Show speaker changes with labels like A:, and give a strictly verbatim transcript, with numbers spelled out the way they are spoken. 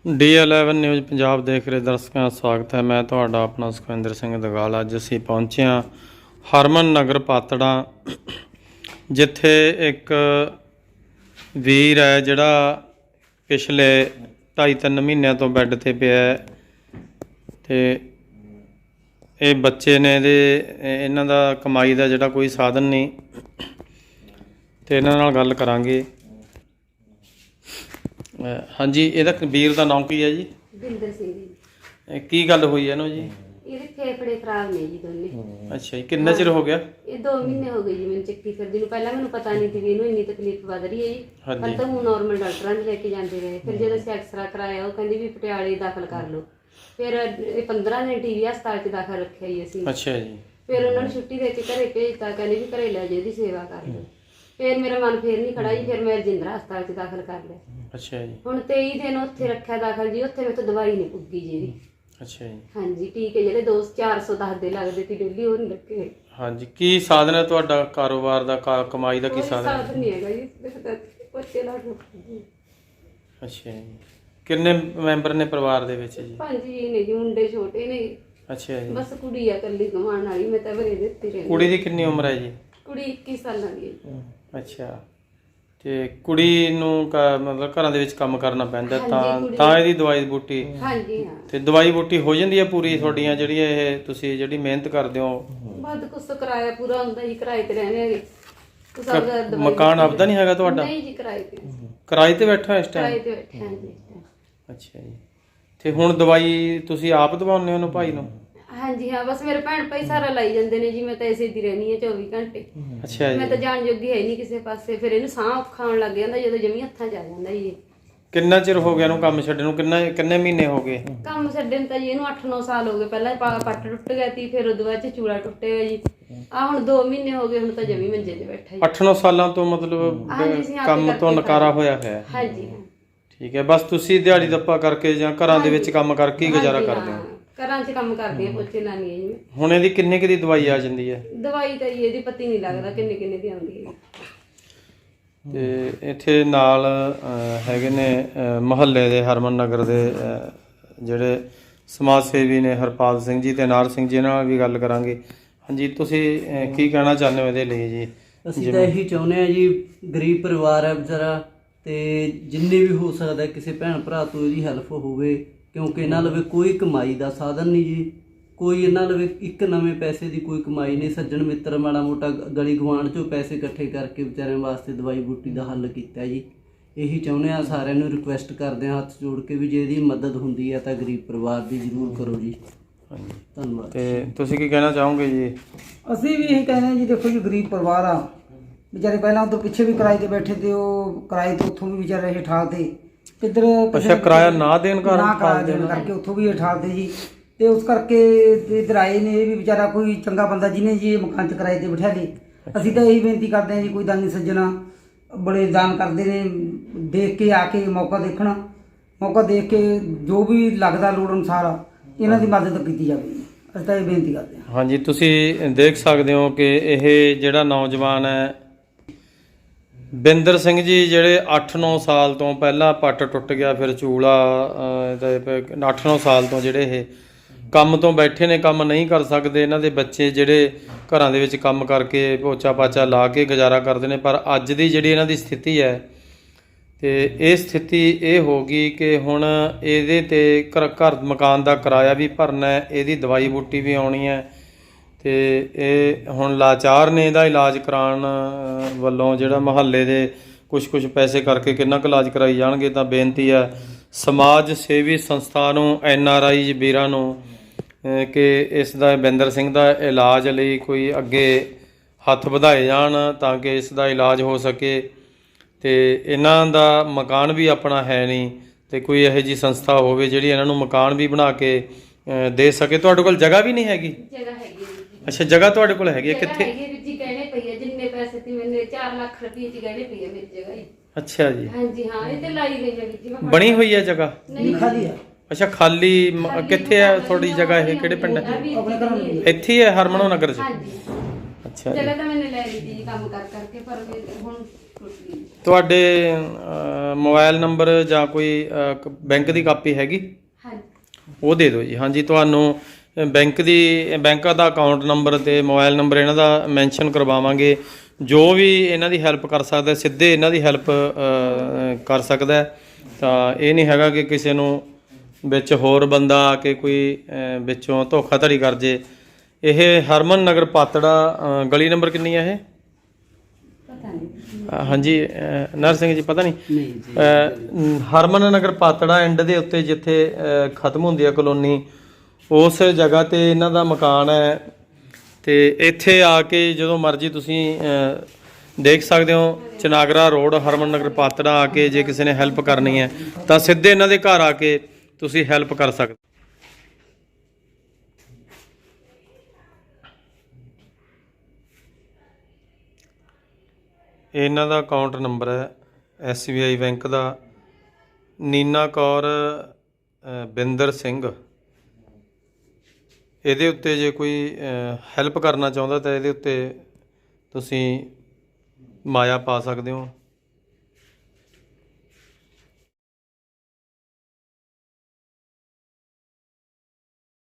A: D eleven news Punjab ਦੇਖ ਰਹੇ ਦਰਸ਼ਕਾਂ ਦਾ ਸਵਾਗਤ ਹੈ। ਮੈਂ ਤੁਹਾਡਾ ਆਪਣਾ ਸੁਖਵਿੰਦਰ ਸਿੰਘ ਦਗਾਲ। ਅੱਜ ਅਸੀਂ ਪਹੁੰਚੇ ਹਾਂ ਹਰਮਨ ਨਗਰ ਪਾਤੜਾ, ਜਿੱਥੇ ਇੱਕ ਵੀਰ ਹੈ ਜਿਹੜਾ ਪਿਛਲੇ ਢਾਈ ਤਿੰਨ ਮਹੀਨਿਆਂ ਤੋਂ ਬੈੱਡ 'ਤੇ ਪਿਆ ਹੈ ਅਤੇ ਇਹ ਬੱਚੇ ਨੇ, ਇਹਦੇ ਇਹਨਾਂ ਦਾ ਕਮਾਈ ਦਾ ਜਿਹੜਾ ਕੋਈ ਸਾਧਨ ਨਹੀਂ, ਅਤੇ ਇਹਨਾਂ ਨਾਲ ਗੱਲ ਕਰਾਂਗੇ। ਹਾਂਜੀ, ਇਹਦਾ ਵੀਰ ਦਾ ਨਾਮ ਕੀ ਹੈ ਜੀ?
B: ਬਿੰਦਰ ਸਿੰਘ ਜੀ।
A: ਕੀ ਗੱਲ ਹੋਈ ਇਹਨੂੰ ਜੀ?
B: ਇਹਦੇ ਫੇਫੜੇ ਖਰਾਬ ਨੇ ਜੀ ਦੋਨੇ।
A: ਅੱਛਾ ਜੀ, ਕਿੰਨਾ ਚਿਰ ਹੋ ਗਿਆ?
B: ਇਹ ਦੋ ਮਹੀਨੇ ਹੋ ਗਏ ਜੀ ਮੈਨੂੰ ਚੱਕੀ ਫਿਰਦੀ ਨੂੰ। ਪਹਿਲਾਂ ਮੈਨੂੰ ਪਤਾ ਨਹੀਂ ਸੀ ਵੀ ਇਹਨੂੰ ਇੰਨੀ ਤਕਲੀਫ ਵੱਧ ਰਹੀ ਹੈ ਜੀ।
A: ਹਾਂਜੀ।
B: ਪਰ ਤਾਂ ਹੁਣ ਨਾਰਮਲ ਡਾਕਟਰਾਂ ਦੇ ਲੈ ਕੇ ਜਾਂਦੇ ਰਹੇ। ਫਿਰ ਜਦੋਂ ਅਸੀਂ ਐਕਸਰਾ ਕਰਾਇਆ, ਉਹ ਕਹਿੰਦੀ ਵੀ ਪਟਿਆਲੇ ਦਾਖਲ ਕਰ ਲਓ। ਫਿਰ ਇਹ ਪੰਦਰਾਂ ਦਿਨ ਟੀ ਵੀ ਹਸਪਤਾਲ 'ਚ ਦਾਖਲ ਰੱਖਿਆ ਜੀ ਅਸੀਂ।
A: ਅੱਛਾ ਜੀ।
B: ਫਿਰ ਉਹਨਾਂ ਨੂੰ ਛੁੱਟੀ ਦੇ ਕੇ ਘਰੇ ਭੇਜਤਾ, ਕਹਿੰਦੇ ਵੀ ਘਰੇ ਲੈ ਜਾਓ, ਇਹਦੀ ਸੇਵਾ ਕਰ ਲਓ। ਫਿਰ ਮੇਰਾ ਮਨ ਫੇਰ ਨਹੀਂ ਖੜਾ ਜੀ। ਫਿਰ ਮੈਂ ਰਜਿੰਦਰਾ ਹਸਪਤਾਲ 'ਚ ਦਾਖਲ ਕਰ ਲਿਆ।
A: ਅੱਛਾ ਜੀ।
B: ਹੁਣ ਤੇਈ ਦਿਨ ਉੱਥੇ ਰੱਖਿਆ ਦਾਖਲ ਜੀ। ਉੱਥੇ ਮੇਰੇ ਤੋਂ ਦਵਾਈ ਨਹੀਂ ਪੁੱਗੀ ਜੀ ਇਹਦੀ।
A: ਅੱਛਾ ਜੀ।
B: ਹਾਂਜੀ, ਟੀਕੇ ਜਿਹੜੇ ਦੋ ਚਾਰ ਸੌ ਦਸ ਦੇ ਲੱਗਦੇ ਸੀ ਡੇਲੀ, ਉਹ ਨਹੀਂ ਲੱਗੇ।
A: ਹਾਂਜੀ, ਕੀ ਸਾਧਨ ਹੈ ਤੁਹਾਡਾ ਕਾਰੋਬਾਰ ਦਾ, ਕਮਾਈ ਦਾ ਕੀ
B: ਕੋਈ
A: ਸਾਧਨ ਹੈ?
B: ਸਾਧਨ ਨਹੀਂ ਹੈਗਾ ਜੀ। ਬੱਚੇ ਲਾ ਕੇ
A: ਅੱਛਾ ਜੀ। ਕਿੰਨੇ ਮੈਂਬਰ ਨੇ ਪਰਿਵਾਰ ਦੇ ਵਿੱਚ ਜੀ?
B: ਪੰਜ ਜੀ ਨੇ ਜੀ। ਮੁੰਡੇ ਛੋਟੇ ਨੇ।
A: ਅੱਛਾ ਜੀ।
B: ਬਸ ਕੁੜੀ ਆ ਇਕੱਲੀ ਕਮਾਉਣ ਵਾਲੀ। ਮੈਂ ਤਾਂ ਬਰੇ ਦਿੱਤੀ ਰਹਿੰਦੀ।
A: ਕੁੜੀ ਦੀ ਕਿੰਨੀ ਉਮਰ ਹੈ ਜੀ?
B: ਕੁੜੀ ਇੱਕੀ ਸਾਲਾਂ ਦੀ ਹੈ।
A: ਅੱਛਾ, ਤੇ ਕੁੜੀ ਨੂੰ ਕ- ਮਤਲਬ ਘਰਾਂ ਦੇ ਵਿੱਚ ਕੰਮ ਕਰਨਾ ਪੈਂਦਾ,
B: ਹਾਂਜੀ,
A: ਤਾਂ
B: ਕੁੜੀ-
A: ਤਾਂ ਇਹਦੀ ਦਵਾਈ ਬੂਟੀ
B: ਹਾਂਜੀ ਹਾਂ।
A: ਤੇ ਦਵਾਈ ਬੂਟੀ ਹੋ ਜਾਂਦੀ ਹੈ ਪੂਰੀ ਤੁਹਾਡੀਆਂ ਜਿਹੜੀਆਂ ਇਹ ਤੁਸੀਂ ਜਿਹੜੀ ਮਿਹਨਤ ਕਰਦੇ ਹੋ?
B: ਵੱਧ ਕੁਛ ਕਿਰਾਇਆ ਪੂਰਾ ਹੁੰਦਾ ਜੀ। ਕਿਰਾਏ ਤੇ ਰਹਿੰਦੇ ਹੈਗੇ। ਕੁਛ ਆਪਦਾ ਦਵਾਈ
A: ਮਕਾਨ ਆਪਦਾ ਨਹੀਂ ਹੈਗਾ ਤੁਹਾਡਾ?
B: ਨਹੀਂ ਜੀ, ਕਿਰਾਏ ਤੇ।
A: ਕਿਰਾਏ ਤੇ ਬੈਠਾ ਇਸ
B: ਕਿਰਾਏ
A: ਟਾਈਮ?
B: ਤੇ ਬੈਠੇ ਹਾਂ ਜੀ।
A: ਅੱਛਾ ਜੀ। ਤੇ ਹੁਣ ਦਵਾਈ ਤੁਸੀਂ ਆਪ ਦਵਾਉਂਦੇ ਹੋ ਉਹਨੂੰ, ਭਾਈ ਨੂੰ?
B: ਹਾਂਜੀ ਹਾਂ, ਬਸ ਮੇਰੇ ਭੈਣ ਭਾਈ ਸਾਰਾ ਲਾਈ ਜਾਂਦੇ ਨੇ ਜੀ। ਮੈਂ ਤਾਂ ਇਸੇ ਦੀ ਰਹਿਣੀ ਹੈ ਚੌਵੀ ਘੰਟੇ।
A: ਅੱਛਾ
B: ਮੈਂ
A: ਜੀ।
B: ਤਾਂ ਜਾਣ ਜੋਗੀ ਹੈ ਨਹੀਂ ਕਿਸੇ ਪਾਸੇ। ਫਿਰ ਇਹਨੂੰ ਸਾਹ ਔਖਾ ਆਉਣ ਲੱਗ ਜਾਂਦਾ ਜਦੋਂ ਜਮੀ ਹੱਥਾਂ 'ਚ ਆ ਜਾਂਦਾ ਜੀ।
A: ਕਿੰਨਾ ਚਿਰ ਹੋ ਗਿਆ ਇਹਨੂੰ ਕੰਮ ਛੱਡਣ ਨੂੰ? ਕਿੰਨਾ ਕਿੰਨੇ ਮਹੀਨੇ ਹੋ ਗਏ
B: ਕੰਮ ਛੱਡਣ ਤਾਂ ਜੀ ਇਹਨੂੰ ਅੱਠ ਨੌ ਸਾਲ ਹੋ ਗਏ। ਪਹਿਲਾਂ ਪਾ- ਪੱਟ ਟੁੱਟ ਗਿਆ ਸੀ, ਫਿਰ ਉਦੋਂ ਬਾਅਦ ਚ ਚੂੜਾ ਟੁੱਟਿਆ ਜੀ। ਆ ਹੁਣ ਦੋ ਮਹੀਨੇ ਹੋ ਗਏ, ਹੁਣ ਤਾਂ ਜਮੀ ਮੰਜੇ ਤੇ ਬੈਠਾ ਜੀ।
A: ਅੱਠ ਨੌ ਸਾਲਾਂ ਤੋਂ ਮਤਲਬ
B: ਹਾਂਜੀ, ਅਸੀਂ ਆਪੇ
A: ਕੰਮ ਤੋਂ
B: ਕਰਕੇ
A: ਨਕਾਰਾ ਹੋਇਆ ਹੋਇਆ?
B: ਹਾਂਜੀ ਹਾਂ।
A: ਠੀਕ ਹੈ, ਬਸ ਤੁਸੀਂ ਦਿਹਾੜੀ ਦੱਪਾ ਕਰਕੇ ਜਾਂ ਘਰਾਂ ਦੇ ਵਿੱਚ ਕੰਮ ਕਰਕੇ ਹੀ ਗੁਜ਼ਾਰਾ
B: ਹਾਂਜੀ,
A: ਕਰਦੇ ਹੋ?
B: ਹਾਂ। ਘਰਾਂ 'ਚ ਕੰਮ ਕਰਦੀ ਆ, ਪੋਚੇ ਲਾਉਂਦੀ ਆ ਜੀ ਮੈਂ।
A: ਹੁਣ ਇਹਦੀ ਕਿੰਨੇ ਕੁ ਦੀ ਦਵਾਈ ਆ ਜਾਂਦੀ ਹੈ?
B: ਦਵਾਈ ਤਾਂ ਜੀ ਇਹਦੀ ਪਤੀ ਨਹੀਂ ਲੱਗਦਾ ਕਿੰਨੇ ਕਿੰਨੇ ਦੀ ਆਉਂਦੀ ਹੈ।
A: ਤੇ ਇੱਥੇ ਨਾਲ ਅਹ, ਹੈਗੇ ਨੇ ਮੁਹੱਲੇ ਦੇ ਹਰਮਨ ਨਗਰ ਦੇ ਅਹ, ਜਿਹੜੇ ਸਮਾਜ ਸੇਵੀ ਨੇ ਹਰਪਾਲ ਸਿੰਘ ਜੀ ਤੇ ਨਾਰ ਸਿੰਘ ਜੀ, ਇਹਨਾਂ ਨਾਲ ਵੀ ਗੱਲ ਕਰਾਂਗੇ। ਹਾਂਜੀ, ਤੁਸੀਂ ਅਹ, ਕੀ ਕਹਿਣਾ ਚਾਹੁੰਦੇ ਹੋ ਇਹਦੇ ਲਈ ਜੀ?
C: ਅਸੀਂ ਤਾਂ ਇਹੀ ਚਾਹੁੰਦੇ ਹਾਂ ਜੀ, ਗਰੀਬ ਪਰਿਵਾਰ ਹੈ ਵਿਚਾਰਾ, ਤੇ ਜਿੰਨੇ ਵੀ ਹੋ ਸਕਦਾ ਕਿਸੇ ਭੈਣ ਭਰਾ ਤੋਂ ਇਹਦੀ ਹੈਲਪ ਹੋਵੇ, ਕਿਉਂਕਿ ਇਹਨਾਂ ਲਵੇ ਕੋਈ ਕਮਾਈ ਦਾ ਸਾਧਨ ਨਹੀਂ ਜੀ। ਕੋਈ ਇਹਨਾਂ ਲਵੇ ਇੱਕ ਨਵੇਂ ਪੈਸੇ ਦੀ ਕੋਈ ਕਮਾਈ ਨਹੀਂ। ਸੱਜਣ ਮਿੱਤਰ ਮਾੜਾ ਮੋਟਾ ਗਲੀ ਗੁਆਂਢ 'ਚੋਂ ਪੈਸੇ ਇਕੱਠੇ ਕਰਕੇ ਵਿਚਾਰਿਆਂ ਵਾਸਤੇ ਦਵਾਈ ਬੂਟੀ ਦਾ ਹੱਲ ਕੀਤਾ ਜੀ। ਇਹੀ ਚਾਹੁੰਦੇ ਹਾਂ, ਸਾਰਿਆਂ ਨੂੰ ਰਿਕੁਐਸਟ ਕਰਦੇ ਹਾਂ ਹੱਥ ਜੋੜ ਕੇ ਵੀ ਜੇ ਇਹਦੀ ਮਦਦ ਹੁੰਦੀ ਹੈ ਤਾਂ ਗਰੀਬ ਪਰਿਵਾਰ ਦੀ ਜ਼ਰੂਰ ਕਰੋ ਜੀ।
A: ਹਾਂਜੀ,
C: ਧੰਨਵਾਦ।
A: ਤੇ ਤੁਸੀਂ ਕੀ ਕਹਿਣਾ ਚਾਹੋਗੇ ਜੀ?
D: ਅਸੀਂ ਵੀ ਇਹੀ ਕਹਿੰਦੇ ਹਾਂ ਜੀ, ਦੇਖੋ ਜੀ ਗਰੀਬ ਪਰਿਵਾਰ ਆ ਵਿਚਾਰੇ। ਪਹਿਲਾਂ ਤੋਂ ਪਿੱਛੇ ਵੀ ਕਿਰਾਏ ਤੇ ਬੈਠੇ ਤੇ ਉਹ ਕਿਰਾਏ ਤੋਂ ਉੱਥੋਂ ਵੀ ਵਿਚਾਰੇ ਇਹ ਠਾਲਤੇ। ਇੱਧਰ
A: ਅੱਛਾ, ਕਿਰਾਇਆ ਨਾ ਦੇਣ ਕਾਰਨ
D: ਨਾ ਕਿਰਾਇਆ
A: ਠਾਲਦੇ
D: ਦੇਣ
A: ਨੇ?
D: ਕਰਕੇ ਉੱਥੋਂ ਵੀ ਇਹ ਠਾਲਤੇ ਜੀ। ਤੇ ਉਸ ਕਰਕੇ ਇੱਧਰ ਆਏ ਨੇ। ਇਹ ਵੀ ਵਿਚਾਰਾ ਕੋਈ ਚੰਗਾ ਬੰਦਾ ਜਿਹਨੇ ਜੀ ਇਹ ਮਕਾਨ 'ਚ ਕਿਰਾਏ ਤੇ ਬਿਠਾ ਲਏ। ਅਸੀਂ ਤਾਂ ਇਹੀ ਬੇਨਤੀ ਕਰਦੇ ਹਾਂ ਜੀ, ਕੋਈ ਦਾਨੀ ਸੱਜਣਾ ਬੜੇ ਦਾਨ ਕਰਦੇ ਨੇ, ਦੇਖ ਕੇ ਆ ਕੇ ਮੌਕਾ ਦੇਖਣਾ, ਮੌਕਾ ਦੇਖ ਕੇ ਜੋ ਵੀ ਲੱਗਦਾ ਲੋੜ ਅਨੁਸਾਰ ਇਹਨਾਂ ਦੀ ਮਦਦ ਕੀਤੀ ਜਾਵੇ। ਅਸੀਂ ਤਾਂ ਇਹ ਬੇਨਤੀ ਕਰਦੇ ਹਾਂ।
A: ਹਾਂਜੀ, ਤੁਸੀਂ ਦੇਖ ਸਕਦੇ ਹੋ ਕਿ ਇਹ ਜਿਹੜਾ ਨੌਜਵਾਨ ਹੈ ਬਿੰਦਰ ਸਿੰਘ ਜੀ, ਜਿਹੜੇ ਅੱਠ ਨੌ ਸਾਲ ਤੋਂ ਪਹਿਲਾਂ ਪੱਟ ਟੁੱਟ ਗਿਆ, ਫਿਰ ਚੂਲਾ, ਅੱਠ ਨੌ ਸਾਲ ਤੋਂ ਜਿਹੜੇ ਇਹ ਕੰਮ ਤੋਂ ਬੈਠੇ ਨੇ, ਕੰਮ ਨਹੀਂ ਕਰ ਸਕਦੇ। ਇਹਨਾਂ ਦੇ ਬੱਚੇ ਜਿਹੜੇ ਘਰਾਂ ਦੇ ਵਿੱਚ ਕੰਮ ਕਰਕੇ ਪੋਚਾ ਪਾਚਾ ਲਾ ਕੇ ਗੁਜ਼ਾਰਾ ਕਰਦੇ ਨੇ। ਪਰ ਅੱਜ ਦੀ ਜਿਹੜੀ ਇਹਨਾਂ ਦੀ ਸਥਿਤੀ ਹੈ, ਤੇ ਇਹ ਸਥਿਤੀ ਇਹ ਹੋ ਗਈ ਕਿ ਹੁਣ ਇਹਦੇ 'ਤੇ ਘਰ ਘਰ ਮਕਾਨ ਦਾ ਕਿਰਾਇਆ ਵੀ ਭਰਨਾ ਹੈ, ਇਹਦੀ ਦਵਾਈ ਬੂਟੀ ਵੀ ਆਉਣੀ ਹੈ, ਤੇ ਇਹ ਹੁਣ ਲਾਚਾਰ ਨੇ। ਇਹਦਾ ਇਲਾਜ ਕਰਾਉਣ ਵੱਲੋਂ ਜਿਹੜਾ ਮੁਹੱਲੇ ਦੇ ਕੁਛ ਕੁਛ ਪੈਸੇ ਕਰਕੇ ਕਿੰਨਾ ਕੁ ਇਲਾਜ ਕਰਾਈ ਜਾਣਗੇ। ਤਾਂ ਬੇਨਤੀ ਹੈ ਸਮਾਜ ਸੇਵੀ ਸੰਸਥਾ ਨੂੰ, ਐਨ ਆਰ ਆਈ ਵੀਰਾਂ ਨੂੰ, ਕਿ ਇਸ ਦਾ ਬਿੰਦਰ ਸਿੰਘ ਦਾ ਇਲਾਜ ਲਈ ਕੋਈ ਅੱਗੇ ਹੱਥ ਵਧਾਏ ਜਾਣ ਤਾਂ ਕਿ ਇਸ ਦਾ ਇਲਾਜ ਹੋ ਸਕੇ। ਤੇ ਇਹਨਾਂ ਦਾ ਮਕਾਨ ਵੀ ਆਪਣਾ ਹੈ ਨਹੀਂ, ਤੇ ਕੋਈ ਇਹੋ ਜਿਹੀ ਸੰਸਥਾ ਹੋਵੇ ਜਿਹੜੀ ਇਹਨਾਂ ਨੂੰ ਮਕਾਨ ਵੀ ਬਣਾ ਕੇ ਦੇ ਸਕੇ। ਤੁਹਾਡੇ ਕੋਲ ਜਗ੍ਹਾ ਵੀ ਨਹੀਂ ਹੈਗੀ?
B: ਜਗ੍ਹਾ ਹੈਗੀ ਹੈ ਜੀ।
A: ਅੱਛਾ, ਜਗ੍ਹਾ ਤੁਹਾਡੇ ਕੋਲ ਹੈਗੀ ਹੈ? ਕਿੱਥੇ?
B: ਹੈਗੀ ਹੈ ਜੀ, ਗਹਿਣੇ ਪਈ ਹੈ। ਜਿੰਨੇ ਪੈਸੇ ਸੀ ਮੈਨੇ ਚਾਰ ਲੱਖ ਰੁਪਏ ਚ ਗਹਿਣੇ ਪਈ ਹੈ ਮੇਰੀ ਜਗ੍ਹਾ ਜੀ।
A: ਅੱਛਾ ਜੀ।
B: ਹਾਂਜੀ ਹਾਂ, ਇਹ ਤੇ ਲਾਈ ਗਈ ਹੈ ਜੀ। ਮੈਂ
A: ਬਣੀ ਹੋਈ ਹੈ ਜਗ੍ਹਾ?
B: ਨਹੀਂ
D: ਖਾਲੀ ਆ।
A: ਅੱਛਾ, ਖਾਲੀ ਮ- ਕਿੱਥੇ ਹੈ ਤੁਹਾਡੀ ਜਗ੍ਹਾ? ਇਹ ਕਿਹੜੇ ਪਿੰਡ ਹੈ?
D: ਆਪਣੇ ਘਰ ਨੂੰ
A: ਇੱਥੇ ਹੀ ਹੈ ਹਰਮਨੋ ਨਗਰ 'ਚ?
B: ਹਾਂਜੀ।
A: ਅੱਛਾ ਜੀ।
B: ਜਗ੍ਹਾ ਤਾਂ ਮੈंने ਲੈ ਲਈ ਸੀ ਕੰਮ ਕਰ ਕਰਕੇ, ਪਰ ਫਿਰ ਹੁਣ ਟੁੱਟ ਗਈ।
A: ਤੁਹਾਡੇ ਅਹ, ਮੋਬਾਈਲ ਨੰਬਰ ਜਾਂ ਕੋਈ ਅਹ, ਕ- ਬੈਂਕ ਦੀ ਕਾਪੀ ਹੈਗੀ?
B: ਹਾਂਜੀ
A: ਉਹ ਦੇ ਦਿਓ ਜੀ। ਹਾਂਜੀ, ਤੁਹਾਨੂੰ ਅ, ਬੈਂਕ ਦੀ ਬੈਂਕ ਦਾ ਅਕਾਊਂਟ ਨੰਬਰ ਤੇ ਮੋਬਾਈਲ ਨੰਬਰ ਇਹਨਾਂ ਦਾ ਮੈਂਸ਼ਨ ਕਰਵਾਵਾਂਗੇ। ਜੋ ਵੀ ਇਹਨਾਂ ਦੀ ਹੈਲਪ ਕਰ ਸਕਦਾ ਸਿੱਧੇ ਇਹਨਾਂ ਦੀ ਹੈਲਪ ਕਰ ਸਕਦਾ ਹੈ। ਤਾਂ ਇਹ ਨਹੀਂ ਹੈਗਾ ਕਿ ਕਿਸੇ ਨੂੰ ਵਿੱਚ ਹੋਰ ਬੰਦਾ ਆ ਕੇ ਕੋਈ ਅ, ਵਿੱਚੋਂ ਧੋਖਾਧੜੀ ਕਰ ਜੇ। ਇਹ ਹਰਮਨ ਨਗਰ ਪਾਤੜਾ, ਅ, ਗਲੀ ਨੰਬਰ ਕਿੰਨੀ ਹੈ ਇਹ?
B: ਪਤਾ ਨਹੀਂ।
A: ਅ, ਹਾਂਜੀ ਅ, ਨਰ ਸਿੰਘ ਜੀ, ਪਤਾ ਨਹੀਂ।
C: ਨਹੀਂ ਜੀ।
A: ਅ, ਹਰਮਨ ਨਗਰ ਪਾਤੜਾ ਐਂਡ ਦੇ ਉੱਤੇ ਜਿੱਥੇ ਅ, ਖਤਮ ਹੁੰਦੀ ਹੈ ਕਲੋਨੀ, ਉਸ ਜਗ੍ਹਾ ਤੇ ਇਹਨਾਂ ਦਾ ਮਕਾਨ ਹੈ। ਤੇ ਇੱਥੇ ਆ ਕੇ ਜਦੋਂ ਮਰਜ਼ੀ ਤੁਸੀਂ ਅ, ਦੇਖ ਸਕਦੇ ਹੋ, ਚਨਾਗਰਾ ਰੋਡ, ਹਰਮਨ ਨਗਰ ਪਾਤੜਾ ਆ ਕੇ ਜੇ ਕਿਸੇ ਨੇ ਹੈਲਪ ਕਰਨੀ ਹੈ ਤਾਂ ਸਿੱਧੇ ਇਹਨਾਂ ਦੇ ਘਰ ਆ ਕੇ ਤੁਸੀਂ ਹੈਲਪ ਕਰ ਸਕਦੇ। ਇਹਨਾਂ ਦਾ ਅਕਾਊਂਟ ਨੰਬਰ ਹੈ ਐਸ ਬੀ ਆਈ ਬੈਂਕ ਦਾ, ਨੀਨਾ ਕੌਰ ਅ, ਬਿੰਦਰ ਸਿੰਘ। ਇਹਦੇ ਉੱਤੇ ਜੇ ਕੋਈ ਹੈਲਪ ਕਰਨਾ ਚਾਹੁੰਦਾ ਤਾਂ ਇਹਦੇ ਉੱਤੇ ਤੁਸੀਂ ਮਾਇਆ ਪਾ ਸਕਦੇ ਹੋ।